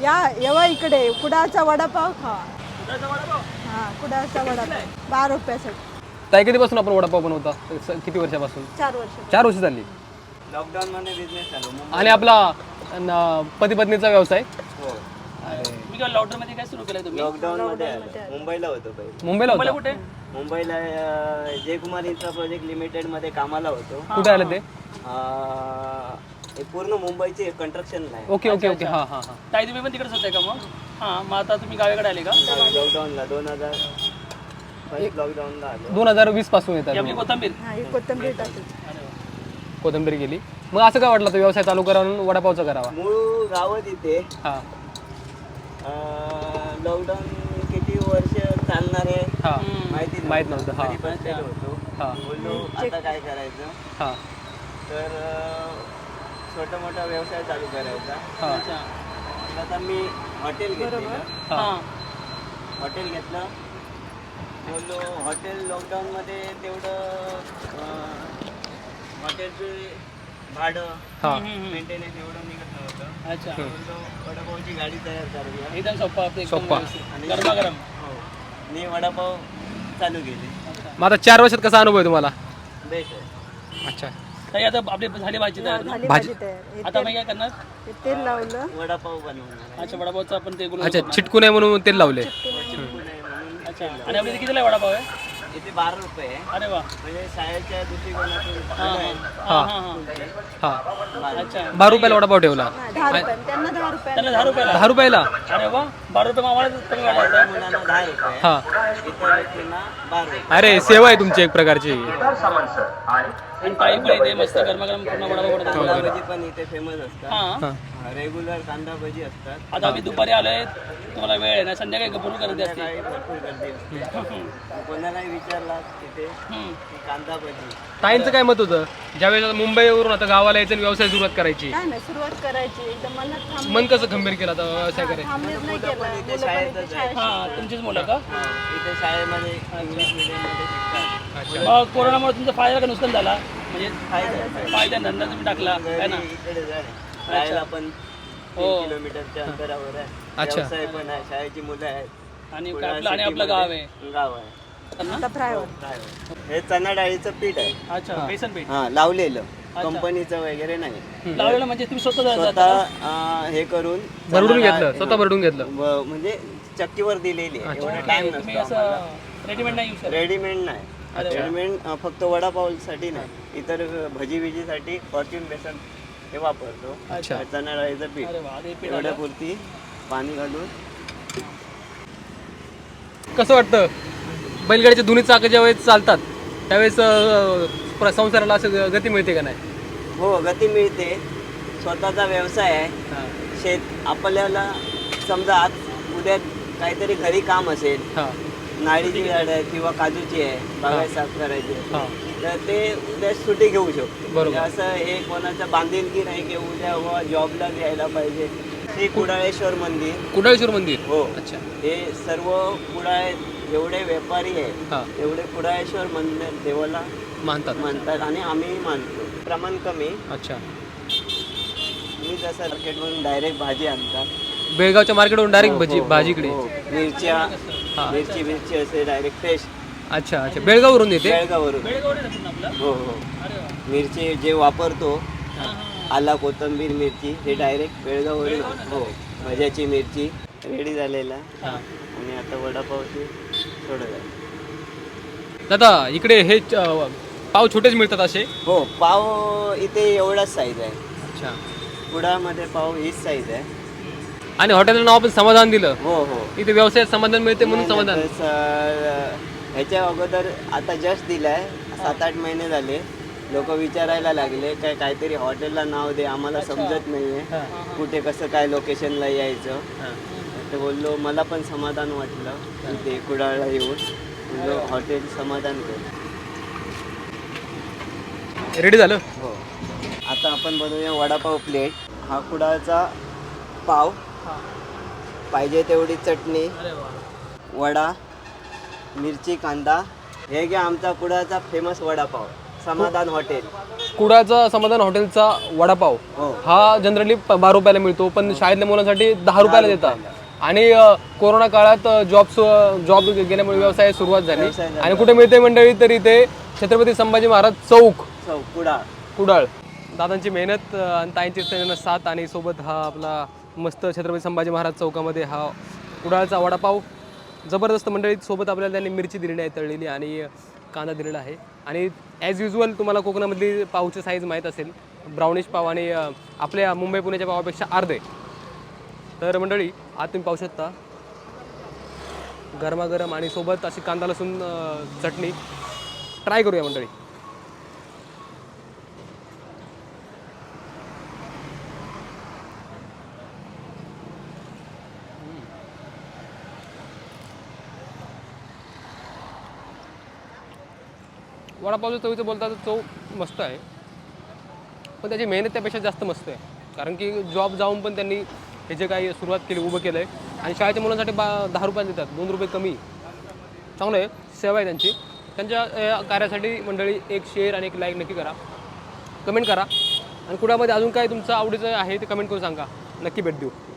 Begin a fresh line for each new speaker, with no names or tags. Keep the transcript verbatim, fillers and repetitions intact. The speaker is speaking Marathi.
या येवा इकडे कुडाळचा वडापाव खा.
कुडाळचा वडापाव
हा कुडाळचा वडापाव बारा रुपयासाठी.
ताई कधीपासून आपण वडापाव बनवता? स- किती वर्षापासून?
चार वर्ष.
चार वर्ष झाली.
लॉकडाऊन मध्ये बिझनेस चालू.
आणि आपला पती पत्नीचा व्यवसाय?
हो.
मी केव्हा लॉकडाऊन मध्ये काय सुरू केलं तुम्ही?
लॉकडाऊन मध्ये आलो. मुंबईला होतो पहिले.
मुंबईला
मुंबईला
होता?
कुठे?
मुंबईला अं, जयकुमार इन्फ्रा प्रोजेक्ट लिमिटेड मध्ये कामाला होतो.
कुठे आलं ते?
अं, हे पूर्ण मुंबईचे कंस्ट्रक्शन आहे.
ओके ओके ओके हां हां हां.
ताई तुम्ही पण तिकडेच होते का मग? हां मग आता तुम्ही गावाकडे आले का?
लॉकडाऊनला दोन हजार फर्स्ट लॉकडाऊनला आलो.
दोन हजार वीस पासून येतात
ही आपली कोथंबीर.
हा ही कोथिंबीर टाकायची.
अरे वा.
कोथिंबीर गेली. मग असं काय वाटलं तो व्यवसाय चालू करावा वडापावचा करावा?
मूळ गावच इथे.
हां
लॉकडाऊन किती वर्ष चालणार आहे
हां
माहिती नव्हतं.
माहित नव्हतं. हां
घरी बसलेलो होतो.
हां
बोललो आता काय करायचं,
हां
तर अं, छोटा मोठा व्यवसाय चालू करायचा.
हां
अच्छा.
मग आता मी हॉटेल घेतलेलं.
हां
हां.
हॉटेल घेतलं. बोललो हॉटेल लॉकडाऊनमध्ये तेवढं अं, हॉटेलचे भाडं
हां
मेंटेनन्स एवढं निघत नव्हतं.
अच्छा.
बोललो वडापावची गाडी तयार करूया.
एकदम सोपा आपलं एकदम
सोप्पा.
व्यवस्थित. गरमागरम.
हो. मी वडापाव चालू केले.
मग आता चार वर्षात कसा अनुभव आहे तुम्हाला?
बेस्ट आहे.
अच्छा.
ताई आता आपली झाली भाजी तयार ना?
झाली
भाजी-
भाजी तयार. हे
आता
तेल-
मी काय करणार?
हे तेल लावलं.
वडापाव बनवणार.
अच्छा वडापावचं आपण ते गुलाब
अच्छा
करणार.
चिटकू नये म्हणून तेल लावले.
म्हणून
अच्छा. आणि आपल्या इथे कितीला वडापाव आहे?
इथे बारा रुपये आहे.
अरे वा.
म्हणजे शाळेच्या दृष्टिकोनातून
हां
आहे.
हां हां हां.
हां
अच्छा.
बारा रुपयाला वडापाव ठेवला.
नाही, दहा रुपये त्यांना दहा रुपये.
त्यांना दहा रुपयाला.
दहा रुपयाला?
अरे वा. बारा रुपये मामाला कमी वाटत
त्या मुलांना दहा रुपये,
हां.
इतर व्यक्तींना बारा रुपये.
अरे सेवा आहे तुमची एक प्रकारची.
आणि ताई पण इथे मस्त गरमागरम पूर्ण वडापाव बनवतात.
कांदा भजी पण इथे फेमस असतात.
हां.
हां
रेग्युलर कांदा भजी असतात.
आता आम्ही दुपारी आलोय, तुम्हाला वेळ आहे ना? संध्याकाळी भरपूर गर्दी असते.
काही भरपूर गर्दी असते. कोणालाही विचारला तिथे
हम्म.
की कांदा भजी.
ताईंचं काय मत होतं ज्यावेळेस मुंबईवरून आता गावाला यायचं आणि व्यवसाय सुरुवात करायची?
काय नाही सुरुवात करायची एकदम मनात थांब
मन कसं खंबीर केलं आता व्यवसाय करायचा?
थांबलेच नाही केलं.
इथे
मुलं पण
शाळेतच
इथे
आहे.
शाळेत
हां तुमचीच मुलं का?
इथे शाळेमध्ये इंग्लिश मिडियममध्ये शिकतात.
अच्छा.
मग कोरोनामुळे तुमचा फायदा का नुकसान झाला? म्हणजे
फायदा
फायदा धंदा तुम्ही टाकला काय ना?
इकडे जाय. शाळेला पण
हो.
तीन किलोमीटरच्या अंतरावर आहे.
अच्छा.
व्यवसाय पण आहे, शाळेची मुलं आहेत.
आणि
पुन्हा
आपलं आणि आपलं गाव आहे.
सिटीमध्ये गाव आहे.
आता फ्रायवर.
काय आहे? हे चणा डाळीचं पीठ आहे.
अच्छा बेसन पीठ
हा लावलेलं, कंपनीचं वगैरे नाही.
लावलेलं म्हणजे तुम्ही स्वतः जाता
स्वतः
का?
अं, हे करून
भरडून
चणा
घेतलं
डाळ-
स्वतः भरडून घेतलं.
व- म्हणजे चक्कीवर दिलेली आहे. एवढा टाइम
तुम्ही
नसतो
असं रेडीमेड नाही यूज करत?
रेडीमेड नाही.
अरे वा.
रेडीमेड अं, फक्त वडापावसाठी नाही, इतर भजी बिजीसाठी फॉर्च्यून बेसन हे वापरतो.
अच्छा.
चणा डाळीचं पीठ
अरे वा ते पीठ
एवढ्या
आलं.
पुरती पाणी घालून.
कसं वाटतं बैलगाडीचे दोन्ही चाकं ज्यावेळेस चालतात त्यावेळेस अं, प्र- संसाराला असं गती मिळते का नाही?
हो गती मिळते. स्वतःचा व्यवसाय आहे. शेत आपल्याला समजा आज उद्या काहीतरी घरी काम असेल,
हां
नाळीची झाड आहे किंवा काजूची आहे, बागायत साफ करायची आहे,
हां
तर ते उद्या सुट्टी घेऊ शकतो.
बरोबर.
म्हणजे असं हे कोणाचं बांधिलकी नाही की उद्या व जॉबला यायला पाहिजे. श्री कुडाळेश्वर मंदिर.
कुडाळेश्वर मंदिर.
हो.
अच्छा.
हे सर्व कुडाळे जेवढे व्यापारी आहेत
हां
तेवढे कुडाळेश्वर मंदिर देवाला
मानतात.
मानतात आणि आम्ही मानतो. प्रमाण कमी.
अच्छा.
मी जसं मार्केटमधून डायरेक्ट भाजी आणतात.
बेळगावच्या मार्केटवरून डायरेक्ट
हो,
भाजी
हो,
भाजीकडे.
हो. मिरच्या
हां.
मिरची मिरची असे डायरेक्ट फ्रेश
अच्छा अच्छा बेळगाववरून येते.
बेळगाववरून.
बेळगावडे जातात ना आपलं?
हो हो.
अरे वा.
मिरची जे वापरतो,
हां, हां.
आला कोथिंबीर मिरची, हे डायरेक्ट बेळगाववरून. हो. भज्याची मिरची रेडी झालेला आहे.
हां.
आणि आता वडापावची थोडं आहे.
दादा इकडे हे अं, पाव छोटेच मिळतात असे?
हो. पाव इथे एवढाच साईज आहे.
अच्छा.
कुडामध्ये पाव हीच साईज आहे.
आणि हॉटेलला नाव आपण समाधान दिलं.
हो हो.
इथे व्यवसायात समाधान मिळते म्हणून समाधान.
नाही, तसं, ह्याच्या अगोदर आता जस्ट दिलाय, सात आठ महिने झाले. लोक विचारायला लागले काय काहीतरी हॉटेलला नाव दे, आम्हाला समजत नाहीये
हां.
कुठे कसं काय लोकेशनला यायचं.
हां.
तर बोललो मला पण समाधान वाटलं इथे कुडाळला येऊन. बोललो हॉटेल समाधान कर.
रेडी झालं.
हो. आता आपण बनवूया वडापाव प्लेट. हा कुडाळचा पाव,
हां.
पाहिजे तेवढी चटणी,
अरे वा.
वडा, मिरची, कांदा. हे घ्या आमचा कुडाळचा फेमस वडापाव. समाधान हॉटेल.
कुडाळचा समाधान हॉटेलचा वडापाव
हो.
हा जनरली बारा रुपयाला मिळतो, पण शाळेतल्या मुलांसाठी दहा रुपयाला देतात. आणि अ, कोरोना काळात जॉब जॉब गेल्यामुळे व्यवसाय सुरुवात झाली.
व्यवसाय झाला.
आणि कुठे मिळते मंडळी तर इथे छत्रपती संभाजी महाराज चौक
चौक कुडाळ.
कुडाळ. दादांची मेहनत अ, आणि ताईंची त्यांना साथ आणि सोबत हा आपला मस्त छत्रपती संभाजी महाराज चौकामध्ये हा कुडाळचा वडापाव जबरदस्त मंडळी. सोबत आपल्याला त्यांनी मिरची दिलेली आहे तळलेली आणि कांदा दिलेला आहे. आणि ॲज युजल तुम्हाला कोकणामधली पावची साईज माहीत असेल, ब्राउनिश पाव आणि अ, आपल्या मुंबई पुण्याच्या पावापेक्षा अर्धे. तर मंडळी आज तुम्ही पाहू शकता गरमागरम आणि सोबत अशी कांदा लसूण अ, चटणी. ट्राय करूया मंडळी. वडापावचं चवीचं बोलता तर चव मस्त आहे, पण त्याची मेहनत त्यापेक्षा जास्त मस्त आहे. कारण की जॉब जाऊन पण त्यांनी हे जे काही सुरुवात केली, उभं केलं आहे. आणि शाळेच्या मुलांसाठी बा दहा रुपये देतात, दोन रुपये कमी. चांगलं आहे, सेवा आहे त्यांची. त्यांच्या या कार्यासाठी मंडळी एक शेअर आणि एक लाईक नक्की करा, कमेंट करा. आणि कुडामध्ये अजून काय तुमचं आवडीचं आहे ते कमेंट करून सांगा, नक्की भेट देऊ.